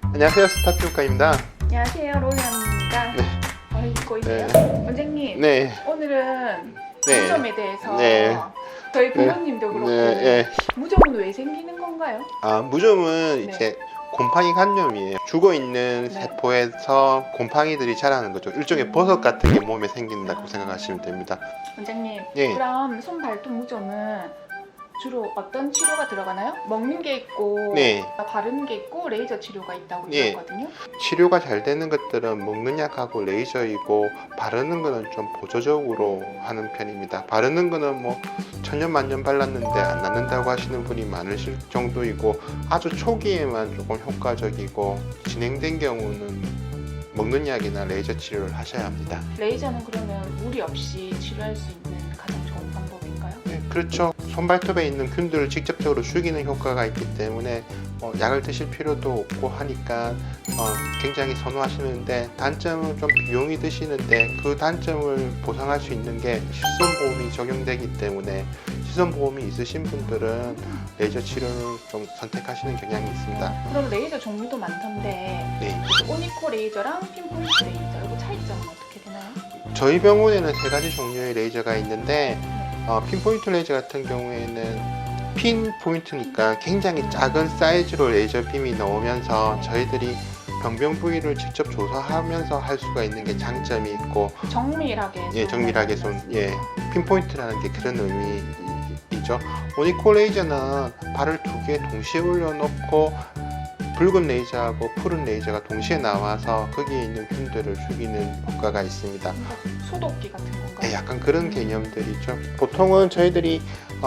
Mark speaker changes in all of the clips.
Speaker 1: 안녕하세요, 스타피부과입니다.
Speaker 2: 안녕하세요, 로이언입니다.
Speaker 1: 네.
Speaker 2: 듣고 있어요?
Speaker 1: 네.
Speaker 2: 원장님,
Speaker 1: 네,
Speaker 2: 오늘은
Speaker 1: 네.
Speaker 2: 무좀에 대해서
Speaker 1: 네.
Speaker 2: 저희 부모님도 그렇고
Speaker 1: 네.
Speaker 2: 무좀은 왜 생기는 건가요?
Speaker 1: 무좀은
Speaker 2: 네.
Speaker 1: 이제 곰팡이 간염이에요. 죽어 있는
Speaker 2: 네.
Speaker 1: 세포에서 곰팡이들이 자라는 거죠. 일종의 버섯 같은 게 몸에 생긴다고 생각하시면 됩니다.
Speaker 2: 원장님,
Speaker 1: 예.
Speaker 2: 그럼 손, 발톱 무좀은 주로 어떤 치료가 들어가나요? 먹는 게 있고
Speaker 1: 네.
Speaker 2: 바르는 게 있고 레이저 치료가 있다고
Speaker 1: 예.
Speaker 2: 들었거든요.
Speaker 1: 치료가 잘 되는 것들은 먹는 약하고 레이저이고, 바르는 거는 좀 보조적으로 하는 편입니다. 바르는 거는 뭐 천년만년 발랐는데 안 낫는다고 하시는 분이 많으실 정도이고, 아주 초기에만 조금 효과적이고, 진행된 경우는 먹는 약이나 레이저 치료를 하셔야 합니다.
Speaker 2: 레이저는 그러면 무리 없이 치료할 수 있는 가장 좋은 방법인가요?
Speaker 1: 네, 그렇죠. 손발톱에 있는 균들을 직접적으로 죽이는 효과가 있기 때문에 약을 드실 필요도 없고 하니까 굉장히 선호하시는데, 단점은 좀 비용이 드시는데, 그 단점을 보상할 수 있는 게 실손보험이 적용되기 때문에, 실손보험이 있으신 분들은 레이저 치료를 좀 선택하시는 경향이 있습니다.
Speaker 2: 그럼 레이저 종류도 많던데
Speaker 1: 네.
Speaker 2: 오니코 레이저랑 핀포인트 레이저 이거 차이점은 어떻게 되나요?
Speaker 1: 저희 병원에는 세 가지 종류의 레이저가 있는데, 핀포인트 레이저 같은 경우에는 핀포인트니까 굉장히 작은 사이즈로 레이저 빔이 나오면서 저희들이 병변 부위를 직접 조사하면서 할 수가 있는 게 장점이 있고,
Speaker 2: 정밀하게
Speaker 1: 정밀하게 핀포인트라는 게 그런 의미이죠. 오니코 레이저는 발을 두 개 동시에 올려놓고 붉은 레이저하고 푸른 레이저가 동시에 나와서 거기에 있는 균들을 죽이는 효과가 있습니다.
Speaker 2: 소독기 같은 건가요?
Speaker 1: 네, 약간 그런 개념들이죠. 보통은 저희들이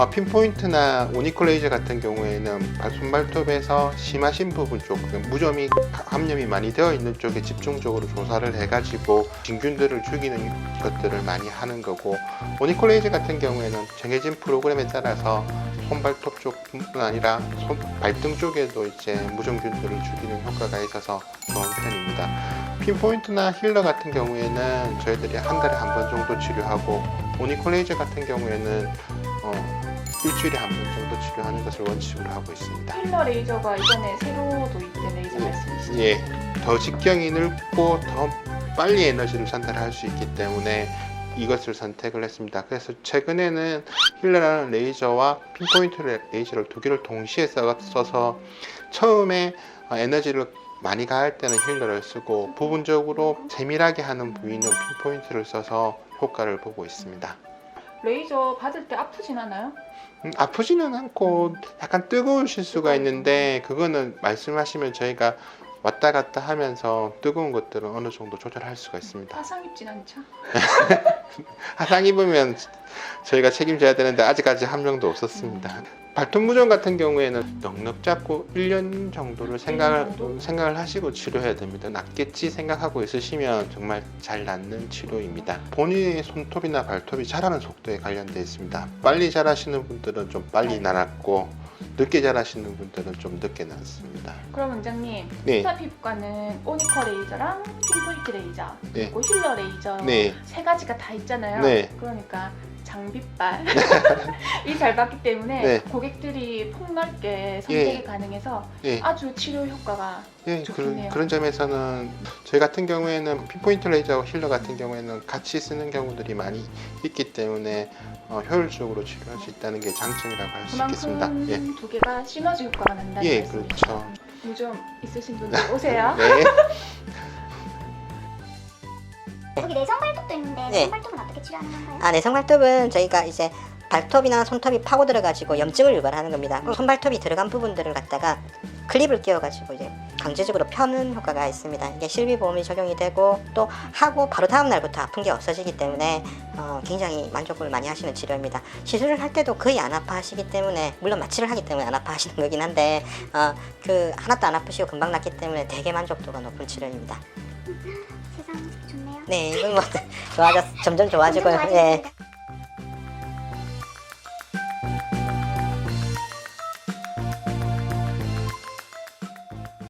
Speaker 1: 핀포인트나 오니코 레이저 같은 경우에는 손발톱에서 심하신 부분 쪽, 무좀이 감염이 많이 되어 있는 쪽에 집중적으로 조사를 해가지고 진균들을 죽이는 것들을 많이 하는 거고, 오니코 레이저 같은 경우에는 정해진 프로그램에 따라서 손발톱 쪽뿐 아니라 발등 쪽에도 이제 무좀균들을 죽이는 효과가 있어서 좋은 편입니다. 핀포인트나 힐러 같은 경우에는 저희들이 한 달에 한 번 정도 치료하고, 오니코 레이저 같은 경우에는 일주일에 한 번 정도 치료하는 것을 원칙으로 하고 있습니다.
Speaker 2: 필러 레이저가 이번에 새로 도입된 레이저 말씀이시죠?
Speaker 1: 예, 더 직경이 넓고 더 빨리 에너지를 전달할 수 있기 때문에 이것을 선택을 했습니다. 그래서 최근에는 힐러라는 레이저와 핀포인트 레이저를 두 개를 동시에 써서 처음에 에너지를 많이 가할 때는 힐러를 쓰고, 부분적으로 세밀하게 하는 부위는 핀포인트를 써서 효과를 보고 있습니다.
Speaker 2: 레이저 받을 때 아프진 않아요?
Speaker 1: 아프지는 않고 약간 뜨거우실 수가 있는데, 그거는 말씀하시면 저희가 왔다 갔다 하면서 뜨거운 것들은 어느 정도 조절할 수가 있습니다.
Speaker 2: 화상 입진 않죠?
Speaker 1: 화상 입으면 저희가 책임져야 되는데 아직까지 한 명도 없었습니다. 발톱 무좀 같은 경우에는 넉넉 잡고 1년 정도를 생각을 하시고 치료해야 됩니다. 낫겠지 생각하고 있으시면 정말 잘 낫는 치료입니다. 본인의 손톱이나 발톱이 자라는 속도에 관련되어 있습니다. 빨리 자라시는 분들은 좀 빨리 나았고, 늦게 자라시는 분들은 좀 늦게 나았습니다.
Speaker 2: 그럼 원장님,
Speaker 1: 네.
Speaker 2: 스타피부과는 오니코 레이저랑 핀포인트 레이저
Speaker 1: 네.
Speaker 2: 그리고 힐러 레이저
Speaker 1: 네.
Speaker 2: 세 가지가 다 있잖아요.
Speaker 1: 네.
Speaker 2: 그러니까 장비빨이 잘 받기 때문에
Speaker 1: 네.
Speaker 2: 고객들이 폭넓게 선택이
Speaker 1: 예.
Speaker 2: 가능해서
Speaker 1: 예.
Speaker 2: 아주 치료 효과가
Speaker 1: 예,
Speaker 2: 좋겠네요.
Speaker 1: 그런 점에서는 저희 같은 경우에는 핀포인트 레이저와 힐러 같은 경우에는 같이 쓰는 경우들이 많이 있기 때문에 효율적으로 치료할 수 있다는 게 장점이라고 할 수 있겠습니다.
Speaker 2: 그만큼
Speaker 1: 예,
Speaker 2: 두 개가 시너지 효과가 난다는
Speaker 1: 예,
Speaker 2: 말씀이시죠?
Speaker 1: 그렇죠.
Speaker 2: 무좀 있으신 분들 오세요.
Speaker 1: 네.
Speaker 3: 여기 내성 발톱도 있는데
Speaker 4: 네.
Speaker 3: 손발톱은 어떻게 치료하는 건가요?
Speaker 4: 내성 발톱은 저희가 이제 발톱이나 손톱이 파고들어가지고 염증을 유발하는 겁니다. 그럼 손발톱이 들어간 부분들을 갖다가 클립을 끼워가지고 이제 강제적으로 펴는 효과가 있습니다. 이게 실비보험이 적용이 되고, 또 하고 바로 다음 날부터 아픈 게 없어지기 때문에 굉장히 만족을 많이 하시는 치료입니다. 시술을 할 때도 거의 안 아파하시기 때문에, 물론 마취를 하기 때문에 안 아파하시는 거긴 한데 하나도 안 아프시고 금방 낫기 때문에 되게 만족도가 높은 치료입니다.
Speaker 3: 세상 좋네요.
Speaker 4: 네, 이건 뭐 점점 좋아지고요.
Speaker 3: 점점
Speaker 4: 예.
Speaker 3: 좋아지겠습니다.